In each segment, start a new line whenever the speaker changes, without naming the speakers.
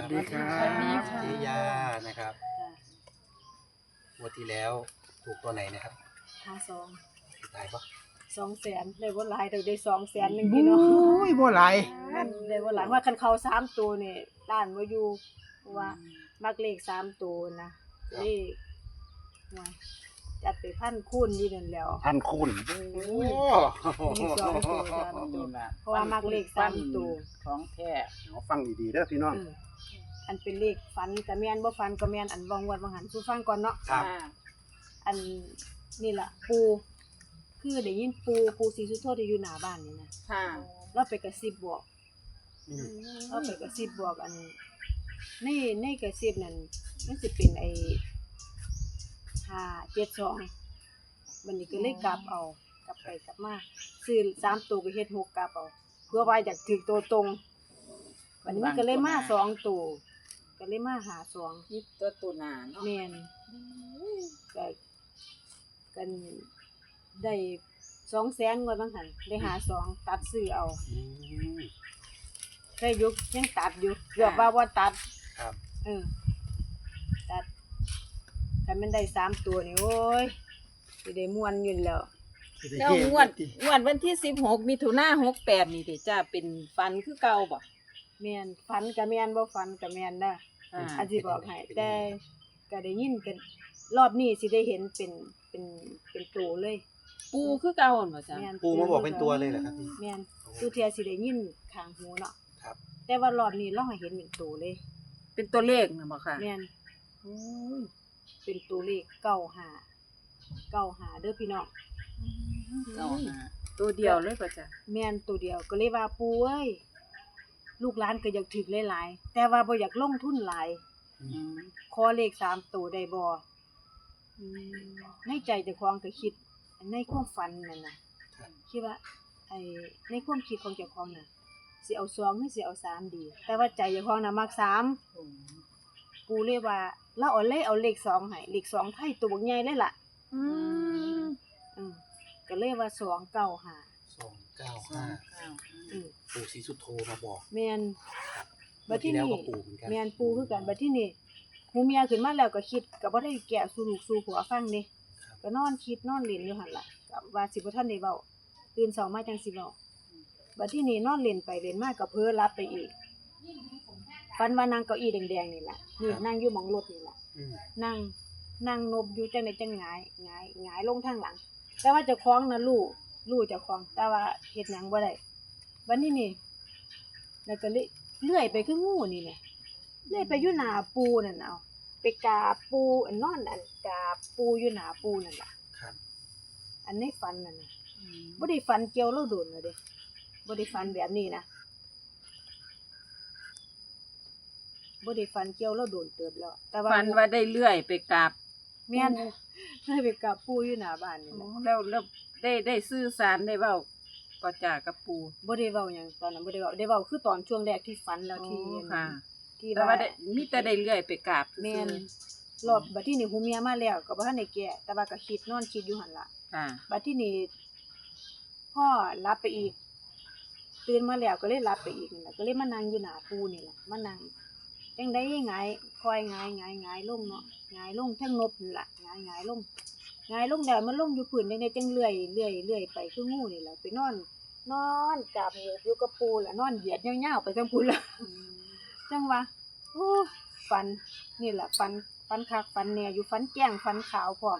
วัสดีครั
สวัสดี
บ
ค่ะ
เจยานะครับงวดที่แล้วถูกตัวไหนนะครับ
52
สุดท้ายปะ
200,000ได้บ่หลายแต่ได้200,000นึง
บุ้
พี่น้อง
ยบ่หลาย
มันได้บ่หลายว่าคันเข้า3ตัวนี่ด้านบ่อยู่เพราะว่ามักเลข3ตัวนะเลขหวยจัดไปพันคูณอยู่นั่นแหล้ว
พันคูณ
โอ้
มีสองตัวสามตัวเพราะว่ามักเลข3ตัว
ของแท้
เอาฟังดีๆเด้อพี่น้อง
อันเป็นเลขฝันก็แม่นบ่ฝันก็แม่นอันบ่งวดบ่หันสู่ฟังก่อนเนาะ
ครับ
อันนี่ล่ะปูคือได้ยินปูศรีสุโธที่อยู่หน้าบ้านนี่นะ
ค่ะ
เราไปกระซิบบอก
อืม
เราไปกระซิบบอกอันในกระซิบนั่นมันสิเป็นไอ้572มันนี่ก็เลยกลับเอากลับไปกลับมาซื้อ3ตัวก็เฮ็ด6กลับเอาเพื่อว่าอยากถึกตัวตรงวันนี้มันก็เลยมา2ตัวก็เลยมาหา2
นี่ตัวตุนาเนาะ
แม่นก็กันได้200,000กว่าบางหันได้หา2ตัดซื้อเอา
อืม
ได้ยุกยังตัดอยู่เกือบว่าบ่ตัด
ครับ
ตัดถ้ามันได้3ตัวนี่โอ้ยสิได้ม่วนอยู่แล้ว
แล้วงวดวันที่16มิถุนายน68นี่เด้จ้าเป็นฟันคือเก่าบ่
แม่นฝันก็แม่นบ่ฝันก็แม่นนะ
อ่า
อันสิบอกให้แต่ก็ได้ยินกันรอบนี้สิได้เห็นเป็นตัวเลย
ปูคือเก่าหั่นบ่จ้า
แม่น
ปูมาบอกเป็นตัวเลยเหรอครับพี่
แม่นตัวเทียสิได้ยินข้างหูเนาะ
ครับ
แต่ว่ารอบนี้เราให้เห็นเป็นตัวเลย
เป็นตัวเลขน่ะบ่ค่ะ
แม่น
โอ้ย
เป็นตัวเลข95เด้อพี่น้อง
เก่าหาตัวเดียวเลยบ่จ้า
แม่นตัวเดียวก็เลยว่าปูเอ้ยลูกหลานก็อยากถึกหลายๆแต่ว่าบ่อยากลงทุนหลาย
อืม
ขอเลข3ตัวได้บ่ในใจเจ้าของก็คิดในความฝันนั่นน่ะ
ครับ
คิดว่าไอ้ในความคิดของเจ้าของน่ะสิเอา2หรือสิเอา3ดี แต่ว่าใจเจ้าของน่ะมัก3ปูเลยว่าเราเอาเลข2ให้เลข2ไทยตัวบักใหญ่เลยล่ะ
อืม
อืมก็เลยว่า295
295
อืม
ปู่ศรีสุโธมาบอก
แม่น
งวดที่แล้วก็ปู่เหมือนกัน
แม่นปูคือกันบัดที่นี่หูเมียขึ้นมาแล้วก็คิดก็บ่ได้แกะสู่ลูกสู่ผัวฟังเด้
ครับ
ก็นอนคิดนอนเล่นอยู่หั่นล่ะก็ว่าสิบ่ทันได้เว้าตื่นเช้ามาจังสิเว้าบัดที่นี่นอนเล่นไปเล่นมาก็เพ้อหลับไปอีกฝันว่านั่งเก้าอี้แดงๆนี่ล่ะนี่นั่งอยู่หม้องรถนี่ล่ะ
อืม
นั่งนบอยู่จังได๋จังหงายลงทางหลัง แต่ว่าเจ้าของน่ะรู้เจ้าของแต่ว่าเฮ็ดหยังบ่ได้บัดนี้นี่แล้วก็เลยเลื่อยไปคืองูนี่แหละเลื่อยไปอยู่หน้าปูนั่นเอาไปกราบปูอันนอนอันกราบปูอยู่หน้าปูนั่นล่ะ
ครับ
อันในฝันนั่นน่ะบ่ได้ฝันเกี่ยวเราโดนเลยเด้บ่ได้ฝันแบบนี้นะบ่ได้ฝันเกี่ยวเราโดนเติบแล้ว แต่ว่า
ฟันว่าได้เลื่อยไปกราบ
แม่นได้ไปกราบปูอยู่หน้าบ้านนี่
โอ้
แหละ
แล้วได้สื่อสารได้เว้าก็จ้ากับปู
บ่ได้เว้าหยังตอนนั้นบ่ได้เว้าได้เว้าคือตอนช่วงแรกที่ฝันแล้วที่
โอ้ค่ะ
ที่
แต่ว่าได้มีแต่ได้เลื่อยไปกราบซื่อๆ
แม่นรอบบัดที่นี่หูเมียมาแล้วก็บ่ทันได้แก้แต่ว่าก็คิดนอนคิดอยู่หั่นล่ะ
ค่ะ
บัดที่นี่พ่อรับไปอีกตื่นมาแล้วก็เลยรับไปอีกนั่นล่ะก็เลยมานั่งอยู่หน้าปูนี่ล่ะมานั่งจังได๋หงายคอยหงายลงเนาะหงายลงทั้งนบนี่ล่ะหงายลงแล้วมันลงอยู่พื้นจังได๋จังเลื่อยไปคืองูนี่ล่ะไปนอนกราบอยู่กับปูล่ะนอนเหยียดยาวๆไปจังพูนล่ะ จังว่าโอ้ฝันนี่แหละฝันคักฝันแน่อยู่ฝันแจ้งฝันขาวพร้อม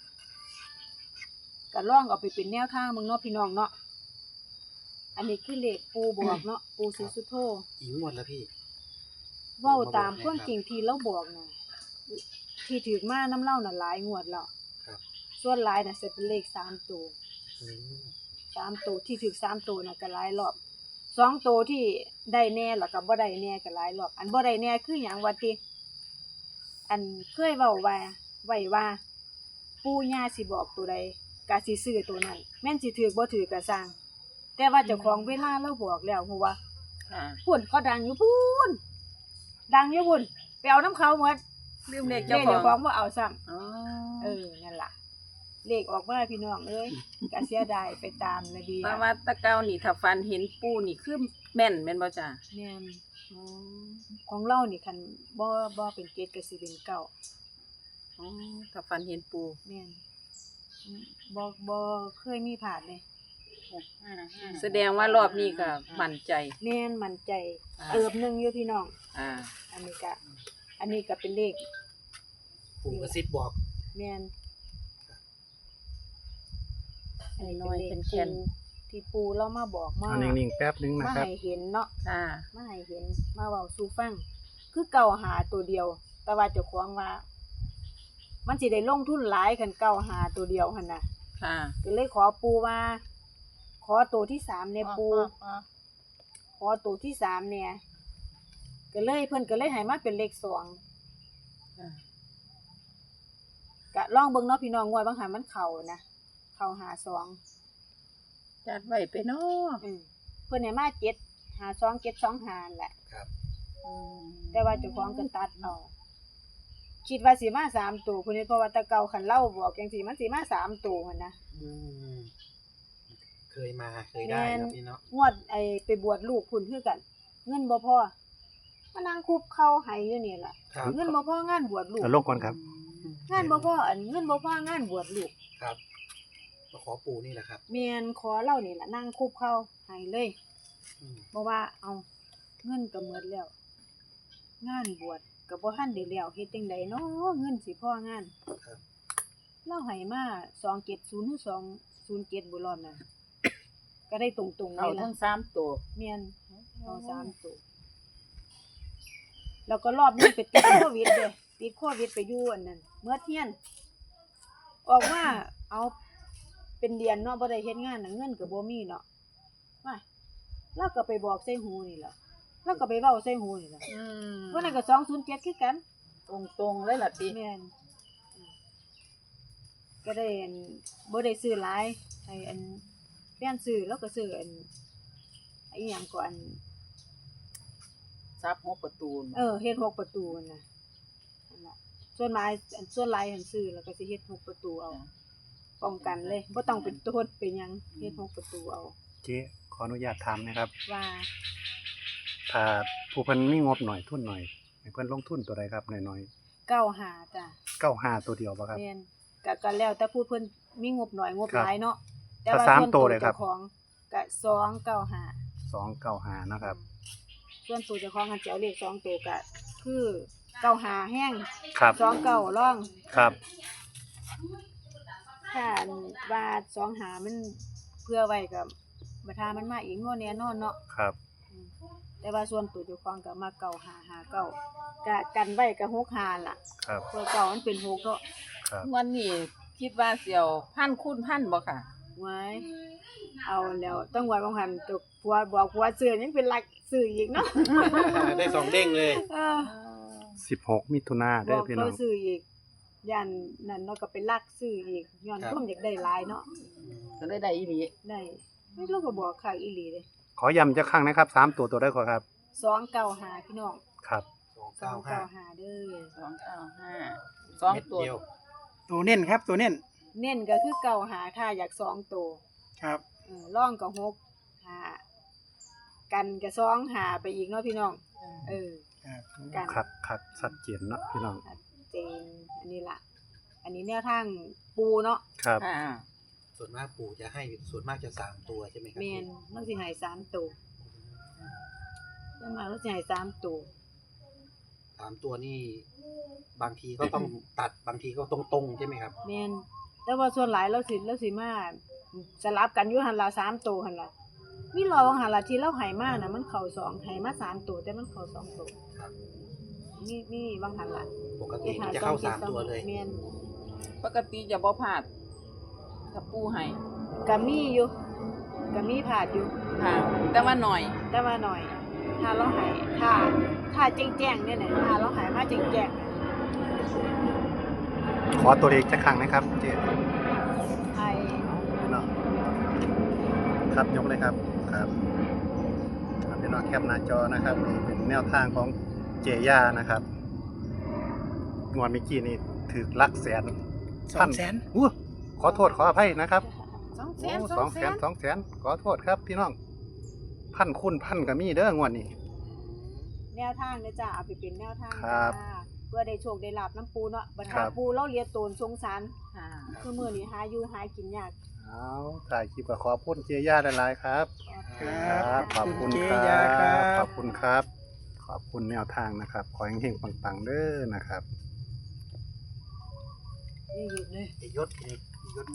ก็ลองเอาไปเป็นแนวทางมึงเนาะพี่น้องเนาะอันนี้คือเลขปูบอกเนาะปูศรีสุโธ
กี่งวดแล้วพี่
เว้าตามความจริงที่เราบอกน่ะที่ถือมาน้ำเล่าน่ะหลายงวดแล้ว
ครับ
ส่วนหลายน่ะสิเป็นเลข3ตัว
อืม
3ตัวที่ถือ3ตัวน่ะก็หลายรอบ2ตัวที่ได้แน่แล้วก็บ่ได้แน่ก็หลายรอบอันบ่ได้แน่คือหยังว่าติอันเคยเว้าไว้ว่าปู่ย่าสิบอกตัวใดก็สิซื้อตัวนั้นแม่นสิถือบ่ถือก็สร้างแต่ว่าเจ้าของเวลาเราบอกแล้วฮู้ว่า
ค่ะ
พุ่นเขาดังอยู่พุ่นไปเอาน้ำเขาหมด
ลืมเลข
เล
เจ้า
ข
ข
เจ้าข
อ
อง งบ่เอาซ้ำ
อ๋อ
นั่นล่ะเลขออกมาพี่น้องเอ้ยก็เสียดายไปตามระเบียบ
แต่ว่าตะเกานี่ถ้าฟันเห็นปูนี่คือแม่นบ่จ้า
แม่นอ๋อของเรานี่คันบ่เป็นเกตก็สิเป็นเก้า
อ๋อถ้าฝันเห็นปู
แม่นบ่เคยมีผ่านเลย
แสดงว่ารอบนี้ก็มั่นใจ
แม่นมั่นใจ
อ่า
เติบหนึงอยู่พี่น้อง
อ่า
อันนี้ก็เป็นเลข
ปู่กระซิบบอก
แม่น
น้อยๆเป็นแคน
ที่ปูเรามาบอกมา
เอานิ่งๆแป๊บนึงนะ
มา
ครับ
ให้เห็นเนาะ
ค่ะ
มาให้เห็นมาเว้าสู่ฟัง คือเก่าหาตัวเดียว แต่ว่าเจ้าของว่า มันสิได้ลงทุนหลายคันเก่าหาตัวเดียวหั่นน่ะ
ค่ะ
ก็เลยขอปูว่า ขอตัวที่3เนี่ยปูขอตัวที่3เนี่ยก็เลยเพิ่นก็เลยให้มาเป็นเลข2ก็ลองเบิ่งเนาะพี่น้องงวดบางหันมันเข้านะเข้าหา2
จัดไว้ไปเนาะ
เพิ่นให้มา7หา2 7 2 5แหละ
ครับ
แต่ว่าเจ้าของก็ตัดเอาคิดว่าสิมา3ตัวเพิ่นเพราะว่าแตะเก่าคันเล่าบอกจังซี่มันสิมา3ตัวหั่นนะ
อืมเคยมาเคยได้ครับพี่เนาะ
งวดไปบวชลูกพุ่นคือกัน เงินบ่พอมานั่งคุบเข้าให้อยู่นี่ล่ะ
ครับ
เงินบ่พองานบวชลูก
เอาลงก่อนครับ
งานบ่พอเงินบ่พองานบวชลูก
ครับมาขอปู่นี่แหละครับ
แม่นขอเล่านี่ล่ะนั่งคุบเข้าให้เลย
อืม
เพราะว่าเอาเงินก็หมดแล้ว งานบวชก็บ่ทันได้แล้วเฮ็ดจังไดเนาะเงินสิพองาน
ครับ
เราให้มา270หรือ207บ่รอบนั้นก็ได้ตรงๆ
เอา
นี่ล่ะ
ทั้ง3ตัว
แม่นเอา3ตัวแล้วก็รอบนี้ไปติดโควิดเด้ติดโควิดไปอยู่อันนั้นเมื่อเที่ยน ออกมาเอาเป็นเดือนเนาะบ่ได้เฮ็ดงานน่ะเงินก็บ่มีเนาะว่าเราก็ไปบอกใส่หูนี่ล่ะเราก็ไปเว้าใส่หูนี่ล่ะวันนั้นก็207คือกัน
ตรงๆเลยล่ะติ
แม่นก็ได้อันบ่ได้ซื้อหลายให้อันแฟนซื้อแล้วก็ซื้ออันอีหยังก็อัน
ซับ6ประตู
เฮ็ด6ประตูนั่นน่ะนั่นล่ะส่วนหลายหันซื้อแล้วก็สิเฮ็ด6ประตูเอาป้องกันเลยบ่ต้องเป็นโทษเป็นหยังเฮ็ด6ประตูเอา
เจ๊ขออนุญาตถามนะครับ
ว่า
ถ้าผู้เพิ่นมีงบหน่อยทุนหน่อยให้เพิ่นลงทุนตัวใดครับน้อย
95จ้ะ
ๆ95ตัวเดียวบ่ครับ
แม่นก็แล้วแต่ผู้เพิ่นมีงบน้อยงบหลายเนาะ
ถ้าสามตัวเลยครับ
เจ้าของก็295
295นะครับ
ส่วนตัวเจ้าของคันสิเอาเลข2ตัวก็คือ95แห้ง
ครับ
29ร่อง
ครับ
ถ้าอันว่า25มันเพื่อไว้ก็บ่ทามันมาอีกบ่แน่นอนเนาะ
ครับ
แต่ว่าส่วนตัวเจ้าของก็มา9559ก็กันไว้ก็65ล่ะ
ครับ
เพื่อเก่ามันเป็น6เนาะ
ครับ
วันนี้คิดว่าเสี่ยวพันคูณพันบ่ค่ะ
ไว้เอาแล้วต้องไว้บางหันตัวผัวบอกผัวซื้อยังเป็นหลักซื้ออีกเนาะ
ได้สองเด้งเลย
เออ
16มิถุนายน
บ
เด้
อ
อก พี่น้
เขา
อง
ซื้ออีกยันนั่นเนาะก็เป็นหลักซื้ออีกย้อนความอยากได้หลายเนาะ
ก็เลยได้อีหลี
ได้ไม่รู้ก็บอกค่ะอีหลีเลย
ขอย้ำจักครั้งนะครับ3ตัวได้ขอครับ
295พี่น้อง
ครับ
295เด้อ
295 2ตัว
เดียว
ตัวเน้นครับตัวเน้น
เน้นก็คือ95ถ้าอยาก2ตัว
ครับ
ร่องก็6 5กันก็2 5ไปอีกเนาะพี่น้องเออ
ครับ
กัน
ครับชัดเจนเนาะพี่น้อง
เจนอันนี้ล่ะ อันนี้แนวทางปูเนาะ
ครับ
ค่ะ
ส่วนมากปู่จะให้ส่วนมากจะ3 ตัวใช่ไหมครั
แมนมันสิให้3ตัวส่วนมากมันสิให้3ตัว
3 ตัวนี่บางทีก็ต้องตัดบางทีก็ตรงๆใช่ไหมครับ
แมนแต่ว่าส่วนหลายเราสิมาสลับกันอยู่หั่นล่ะ3ตัวหั่นล่ะมีรอว่าหั่นล่ะที่เราให้มาน่ะมันเข้า2ให้มา3ตัวแต่มันเข้า2ตัว
ครับ
มีบางหั่นล่ะ
ปกติมันจะเข้า3 ตัวเลย
แมน
ปกติจะบ่พลาดถ้าปูให้
ก็มีอยู่ก็มีผาดอยู่
ค่ะ แต่ว่าหน่อย
แต่ว่าหน่อย ถ้าเราให้ถ้าแจ้งๆเนี่ยน่ะถ้าเราให้มาแจ้งๆ
ขอตัวเลขจักครั้งนะครับเจ๊
ไอ้
พี่น้องครับยกเลยครับครับพี่น้องแคปหน้าจอนะครับนี่เป็นแนวทางของเจย่านะครับงวดเมื่อกี้นี่ถือลักแสน
200,000
อู้ขอโทษขออภัยนะครับ
200,000
200,000ขอโทษครับพี่น้องพันคูณพันก็มีเด้องวดนี้
แนวทางเด้อจ้าเอาไปเป็นแนวทาง
ครั
จ้า
บ
เพื่อได้โชคได้ลาบน้ำปูเนาะบัด
ครั
หา
บ
ปูเราเลียโตนสงสาร
ค่ะ
คือมื้อนี้หาอยู่หากินยาก
เอาถ่ายคลิปก็ขอบคุณเจย่าหลายๆครับ
ครับ
ขอบคุณ
เจ
ครั
ยาครับ บ
ขอบคุณครับ ขอบคุณแนวทางนะครับ ขอให้เฮงๆปังๆเด้อนะครับ
นี่หยุดเลย
ไอ้ยศนี่